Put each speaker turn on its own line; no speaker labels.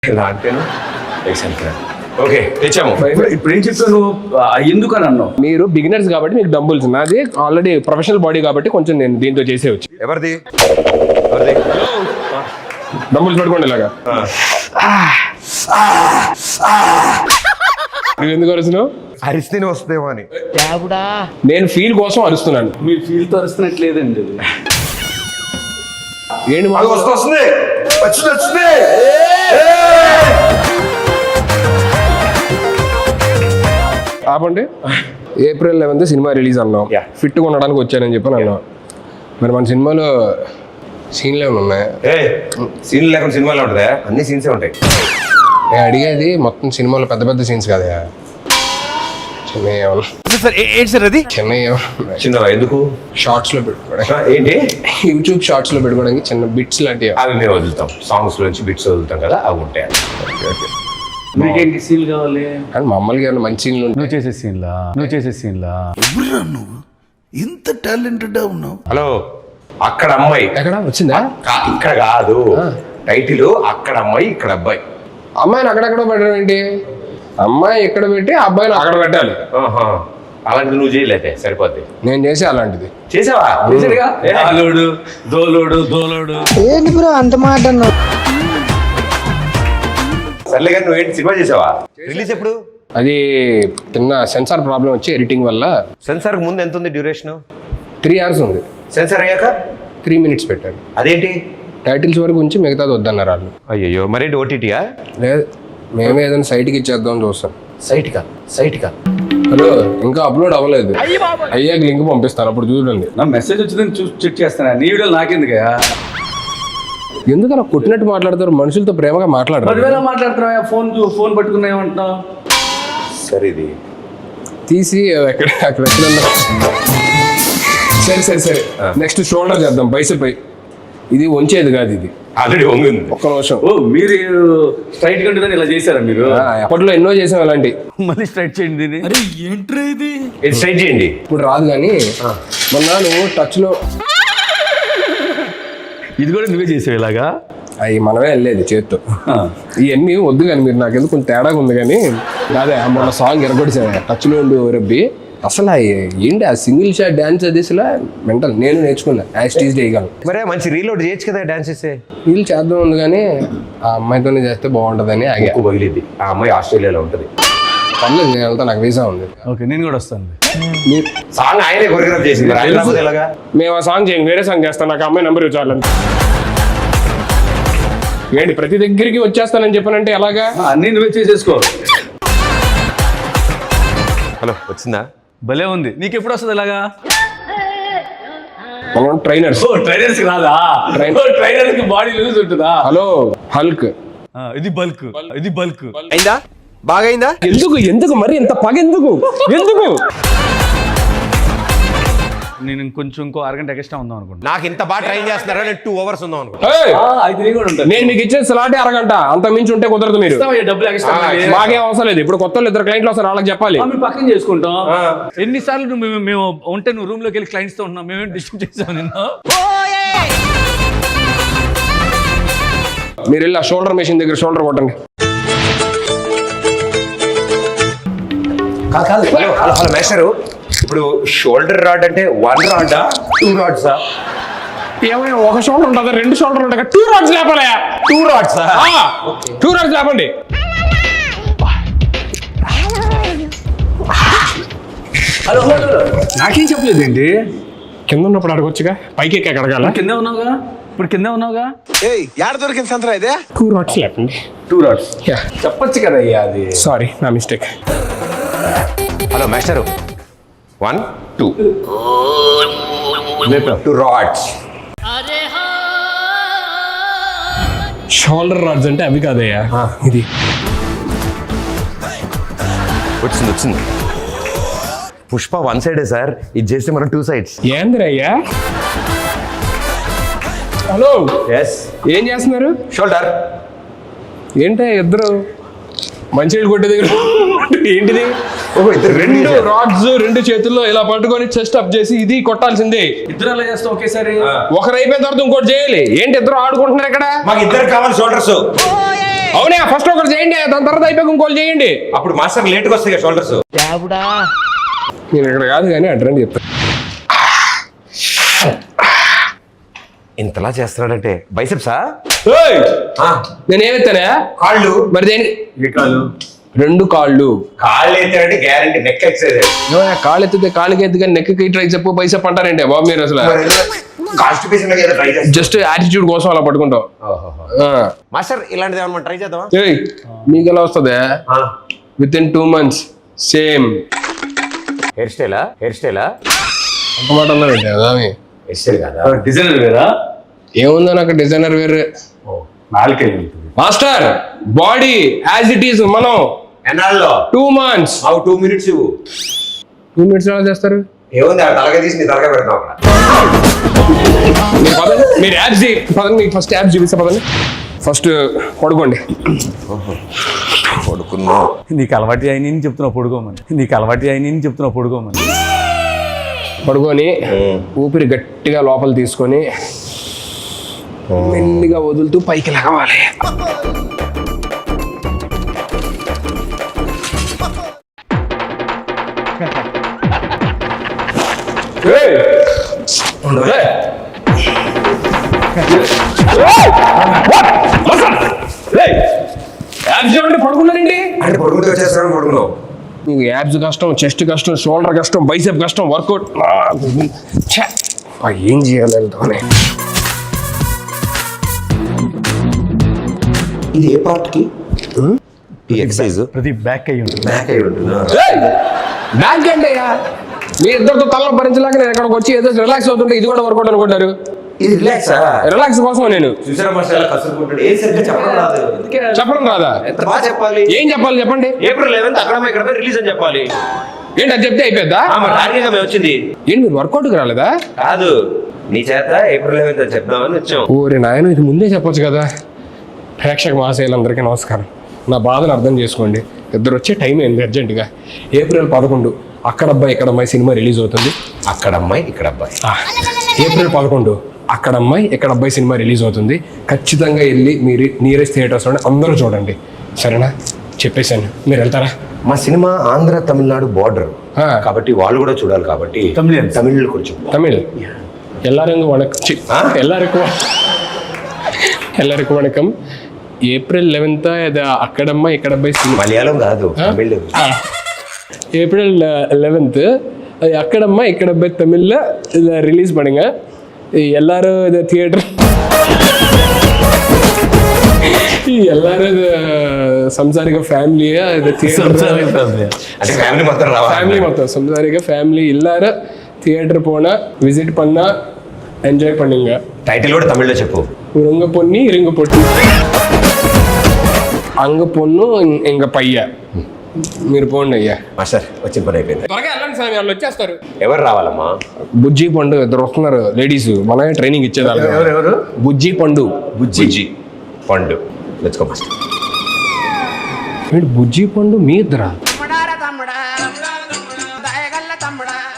అంతేనా ఓకే తెచ్చాము.
ఇప్పుడు ఏం చెప్తావు నువ్వు ఎందుకు అని అన్నావు?
మీరు బిగినర్స్ కాబట్టి మీకు డంబుల్స్, నాది ఆల్రెడీ ప్రొఫెషనల్ బాడీ కాబట్టి కొంచెం నేను దీంతో చేసేవచ్చు.
ఎవరిది
డంబుల్స్ పట్టుకోండి ఇలాగా. నువ్వు ఎందుకు అరుస్తున్నావు?
అరిస్తేనే వస్తుందేమో అని.
నేను ఫీల్ కోసం అరుస్తున్నాను.
మీరు ఫీల్ తో అరుస్తున్నట్లేదండి.
ఏంటి
అది వస్తుంది వచ్చింది.
ఆపండి. April 11th సినిమా రిలీజ్ అన్నాం.
Yeah.
ఫిట్గా ఉండడానికి వచ్చానని చెప్పి అన్నాం. మరి మన సినిమాలో సీన్లు ఏమైనా ఉన్నాయా?
సీన్ లేకుండా సినిమాలో ఉంటుందా? అన్ని సీన్సే ఉంటాయి.
నేను అడిగేది మొత్తం సినిమాలో పెద్ద పెద్ద సీన్స్ కదా, చిన్న
చిన్నవా ఎందుకు?
షార్ట్స్ లో పెట్టుకోవడానికి,
ఏంటి
యూట్యూబ్ షార్ట్స్ లో పెట్టుకోవడానికి చిన్న బిట్స్ లాంటివి.
అవి మేము వదులుతాం, సాంగ్స్ నుంచి బిట్స్ వదులుతాం కదా, అవి ఉంటాయి.
మీకేంటి సీన్ కావాలి?
అండ్ మామూలుగా ఏమైనా మంచి సీన్లు ఉంటాయి.
నువ్వు చేసే సీన్లా
నువ్వు ఇంత టాలెంటెడ్ ఉన్నావు.
హలో, అక్కడ అమ్మాయి
ఎక్కడ వచ్చిందా?
ఇక్కడ కాదు, టైటిల్ అక్కడ అమ్మాయి ఇక్కడ అబ్బాయి.
అమ్మాయిని అక్కడెక్కడ పెట్టడం ఏంటి? అమ్మాయి ఎక్కడ పెట్టి అబ్బాయిని అక్కడ పెట్టాలి.
అలాంటిది నువ్వు చేయలేదే సరిపోద్ది.
నేను చేసే అలాంటిది.
చేసావా?
దోలోడు
ఏంటి బ్రో అంత మాట అన్నావు?
సర్లే కానీ నువ్వేంటి సినిమా చేసావా? రిలీజ్ ఎప్పుడు?
అది చిన్న సెన్సార్ ప్రాబ్లం వచ్చి ఎడిటింగ్ వల్ల.
సెన్సార్ ముందు ఎంత ఉంది డ్యూరేషన్?
3 hours ఉంది.
సెన్సార్ అయ్యాక
3 minutes పెట్టాను.
అదేంటి?
టైటిల్స్ వరకు ఉంచి మిగతాది వద్దన్నారు వాళ్ళు.
అయ్యో, మరేంటి ఓటీటీయా?
లేదు, మేమే ఏదైనా సైట్కి ఇచ్చేద్దాం చూస్తాం.
సైట్కా
హలో, ఇంకా అప్లోడ్ అవ్వలేదు. అయ్యాక లింక్ పంపిస్తాను, అప్పుడు చూడండి.
నా మెసేజ్ వచ్చిందని చూసి చెక్ చేస్తాను. నీ వీడియోలు నాకెందుకయ్యా?
ఎందుకలా కొట్టినట్టు మాట్లాడతారు? మనుషులతో ప్రేమగా మాట్లాడరు.
10,000 మాట్లాడుతున్నావా? ఫోన్ పట్టుకున్నా ఏమంటున్నావు?
సరే, ఇది
తీసి అక్కడ సరే నెక్స్ట్ షోల్డర్ చేద్దాం, బైసెప్. ఇది వంచేది కాదు, ఇది
ఆల్రెడీ వంగింది.
ఒక్క నిమిషం.
ఓ, మీరు స్ట్రైట్ కంటే ఇలా చేశారా మీరు?
అప్పట్లో ఎన్నో చేసాం అలాంటి.
మళ్ళీ స్ట్రైట్ చేయండి.
ఇది స్ట్రైట్ చేయండి.
ఇప్పుడు రాదు కానీ మొన్న నువ్వు టచ్ లో
ఇది కూడా నువ్వే చేసావు ఇలాగా?
అవి మనమే వెళ్ళేది చేత్తో. ఇవన్నీ వద్దు కానీ మీరు నాకు ఎందుకు కొంచెం తేడాగా ఉంది కానీ. అదే మొన్న సాంగ్ ఎరగొడిసాను టచ్ లో ఉండి రబ్బి. అసలు ఏంటి ఆ సింగిల్ షాట్ డాన్స్ అది అసలు మెంటల్. నేను నేర్చుకున్నా, యాస్టీజ్ చేయగలను.
మరే మంచి రీలోడ్ చేయొచ్చు కదా డాన్స్ చేస్తే.
వీళ్ళు చేద్దాం ఉంది కానీ ఆ అమ్మాయితోనే చేస్తే బాగుంటుందని ఆగా.
పగిలిద్ది. ఆ అమ్మాయి ఆస్ట్రేలియాలో ఉంటుంది.
పర్లేదు, నేను వెళ్తా, నాకు వీసా ఉంది.
ఓకే, నేను కూడా వస్తాను.
సాంగ్ ఆయనే కొరియోగ్రాఫ్ చేసింది. ఎలాగా
మేము ఆ సాంగ్ చేయండి, వేరే సాంగ్ చేస్తాను. నాకు అమ్మాయి నెంబర్ ఇవ్వాలని. ఏంటి ప్రతి దగ్గరికి వచ్చేస్తానని చెప్పానంటే ఎలాగా?
అన్నీ నువ్వే చేసేసుకో.
హలో, వచ్చిందా?
భలే ఉంది. నీకు ఎప్పుడు వస్తుంది ఇలాగా?
మనం ట్రైనర్స్.
ట్రైనర్స్ రాదా? ట్రైనర్ కి బాడీ లూజ్ ఉంటుందా?
Hello, hulk.
ఇది బల్క్.
అయిందా? బాగా అయిందా?
ఎందుకు మరి ఇంత పగ ఎందుకు?
నేను ఇంకో అరగంట ఎక్స్ట్రా ఉందాం అనుకుంటా.
నాకు ఇంత బాగా ట్రైన్ చేస్తున్నారా? నేను 2 hours ఉందాం అనుకుంటా.
నేను మీకు ఇచ్చే స్లాటే అరగంట, అంత మించి ఉంటే కుదరదు. మీరు
డబ్బులు ఎక్స్ట్రా
మాకేం అవసరం లేదు. ఇప్పుడు కొత్త 2 క్లయింట్లు వస్తారు, వాళ్ళకి చెప్పాలి.
మేము పక్కన చేసుకుంటాం. ఎన్నిసార్లు మేము ఉంటే నువ్వు రూమ్ లోకి వెళ్ళి క్లయింట్స్ తో ఉన్నాం. మేమేం డిస్టర్బ్ చేసాం నిన్ను?
మీరు వెళ్ళి ఆ షోల్డర్ మెషిన్ దగ్గర షోల్డర్ కొట్టండి.
కాదు. హలో మేస్టరు, ఇప్పుడు షోల్డర్ రాడ్ అంటే 1 రాడా 2 రాడ్సా?
ఏమైనా ఒక షోల్డర్ ఉంటుందా? 2 షోల్డర్ ఉంటాయి. 2 రాడ్స్ లేపాలి.
2 రాడ్సా?
2 రాడ్స్ లేపండి.
హలో, నాకేం చెప్పలేదు ఏంటి?
కింద ఉన్నప్పుడు అడగొచ్చుగా, పైకి ఎక్కి అడగాల.
కింద ఉన్నావుగా, ఇప్పుడు కింద ఉన్నావుగా.
యాడ దొరికింది సంతరా ఇదే?
2 రాడ్స్ లేపండి.
2 రాడ్స్ చెప్పొచ్చు కదా అయ్యా. అది
సారీ, నా మిస్టేక్.
హలో మేస్టరు, 1 2 2 రాడ్స్.
షోల్డర్ రాడ్స్ అంటే అవి కాదయ్యా, ఇది.
వచ్చింది. పుష్ప 1 సైడే సార్, ఇది చేస్తే మనం 2 sides.
ఏందిరయ్యా? Hello,
yes.
ఏం చేస్తున్నారు?
షోల్డర్.
ఏంటి ఇద్దరు మంచినీళ్ళు కొట్టే దగ్గర ఏంటిది?
ఇద్దరు
2 రాడ్స్ 2 చేతుల్లో ఇలా పట్టుకొని చెస్ట్ అప్ చేసి ఇది కొట్టాల్సిందే.
ఇద్దరు అలా చేస్తాం ఒకేసారి.
ఒకరు అయిపోయిన తర్వాత ఇంకోటి చేయాలి. ఏంటి ఇద్దరు ఆడుకుంటున్నారు ఇక్కడ?
మాకు ఇద్దరు కావాలి షోల్డర్స్.
అవునా ఫస్ట్ ఒకటి చేయండి దాని తర్వాత అయిపోయి ఇంకోటి చేయండి.
అప్పుడు మాస్టర్ లేట్గా వస్తాయి కదా షోల్డర్స్.
నేను ఇక్కడ కాదు కానీ అడ్రండి చెప్తాను.
ఇంతలా చేస్తున్నాడంటే బైసెప్సా?
నేను ఏమెత్తానా
కాళ్ళు.
మరి దేని 2 కాళ్ళు.
కాళ్ళు ఎత్తాడంటే గ్యారంటీ నెక్ ఎక్సైజ్.
కాళ్ళు ఎత్తితే కాళ్ళకి ఎత్తి కానీ నెక్కి ట్రై చెప్పు బైసెప్ అంటారంటే బాబు మీరు అసలు
కాన్స్టిపేషన్ ట్రై చేస్తాం.
జస్ట్ యాటిట్యూడ్ కోసం అలా పట్టుకుంటాం.
మాస్టర్ ఇలాంటిది ఏమన్నా ట్రై చేద్దామా?
మీకు ఎలా వస్తుంది? With in 2 months same
hair స్టైలా? హెయిర్ స్టైలా?
అంత మాట అన్నారంటే
హెయిర్ స్టైల్ కదా,
డిజైనర్ వేరా?
ఏముందో నాకు డిజైనర్ వేరే.
నాలుకే
master body as it is మనం
ఎన్నాళ్ళలో
2 months.
2 minutes ఇవ్వు.
2 minutes ఎలా చేస్తారు?
ఏముంది తలగా తీసి నీ తలగా పెడతాం అక్కడ.
మీరు పదండి, మీరు యాప్స్ పదండి, మీకు ఫస్ట్ యాప్స్ చూపిస్తా పదండి. ఫస్ట్ పడుకోండి.
పడుకున్నా.
నీకు అలవాటు అయిన చెప్తున్నావు పడుకోమని. నీకు అలవాటు అయిన చెప్తున్నావు పడుకోమని.
పడుకొని ఊపిరి గట్టిగా లోపల తీసుకొని మెల్లిగా వదులుతూ పైకి లగవాలి. పడుకున్నారండి
అంటే పడుకుంటే వచ్చేస్తాను. పడుకున్నావు.
మీకు యాబ్స్ కష్టం, చెస్ట్ కష్టం, షోల్డర్ కష్టం, బైసెప్ కష్టం, వర్కౌట్ ఏం చేయాలి?
ఇది ఏ పార్ట్ కి ఈ ఎక్సర్సైజ్?
ప్రతి బ్యాక్ అయ్యి ఉంటుంది.
బ్యాక్ అయి ఉంటుంది.
బ్యాక్ అంటే మీ ఇద్దరితో తల భరించలేక నేను ఎక్కడికి వచ్చి ఏదో రిలాక్స్ అవుతుంటే ఇది కూడా వర్కౌట్ అనుకుంటారు.
ఇది రిలాక్సా?
రిలాక్స్ కోసం నేను
చూసారా మాస్టర్ కసురుకుంటాడు. ఏం సరిగ్గా చెప్పడం రాదు.
చెప్పడం రాదా?
ఎంత బాగా చెప్పాలి.
ఏం చెప్పాలి చెప్పండి.
April 11th అక్కడ ఇక్కడ రిలీజ్ అని చెప్పాలి.
ఏంటి అది చెప్తే అయిపోద్దా?
టార్గెట్ మేము వచ్చింది.
ఏంటి మీరు వర్కౌట్కి రాలేదా?
కాదు, నీ చేత April 11th అని చెప్దామని వచ్చాం.
ఓరే నాయన ఇది ముందే చెప్పొచ్చు కదా. ప్రేక్షక మహాశయులందరికీ నమస్కారం. నా బాధను అర్థం చేసుకోండి. ఇద్దరు వచ్చే టైం ఏంది అర్జెంటుగా. April 11 అక్కడ అబ్బాయి ఇక్కడ అమ్మాయి సినిమా రిలీజ్ అవుతుంది.
అక్కడ అమ్మాయి ఇక్కడ అబ్బాయి.
April 11 అక్కడ అమ్మాయి ఇక్కడ అబ్బాయి సినిమా రిలీజ్ అవుతుంది. ఖచ్చితంగా వెళ్ళి మీరు నియరెస్ట్ థియేటర్స్లోనే అందరూ చూడండి. సరేనా? చెప్పేశాను. మీరు వెళ్తారా?
మా సినిమా ఆంధ్ర తమిళనాడు బార్డర్ కాబట్టి వాళ్ళు కూడా చూడాలి. కాబట్టి తమిళ్ కొంచెం
తమిళ్ ఎల్లారంగు వణకం. ఎల్లరికం వణకం. April 11th అక్కడమ్మ ఇక్కడ అబ్బాయి సినిమా.
మలయాళం కాదు, తమిళ్.
April 11th அது அக்கடம்மா இக்கடப்பை தமிழில் இதை ரிலீஸ் பண்ணுங்க. எல்லாரும் இதை தியேட்டர் எல்லாரும் இது సంసారిక ఫ్యామిలీ ఇది ఫ్యామిలీ మొత్తం సంసారిక ఫ్యామిలీ எல்லாரும் தியேட்டர் போனா விசிட் பண்ணா ఎంజాయ్ பண்ணுங்க.
టైటిల్ కూడా తమిళ్లో చెప్పు.
உங்க பொண்ணி இருங்க பொட்டி అంగ పొన్ను ఇంక పయ్య. మీరు పోండి అయ్యా.
మాస్టర్ వచ్చిన పని అయిపోయింది.
త్వరగా వెళ్ళండి స్వామి, వాళ్ళు వచ్చేస్తారు.
ఎవరు రావాలమ్మా?
బుజ్జి పండు ఇద్దరు వస్తున్నారు లేడీస్. మనమే ట్రైనింగ్ ఇచ్చేదాన్ని.
ఎవరు?
బుజ్జి పండు.
బుజ్జి పండు. Let's go master.
బుజ్జి పండు మీ ఇద్దరా?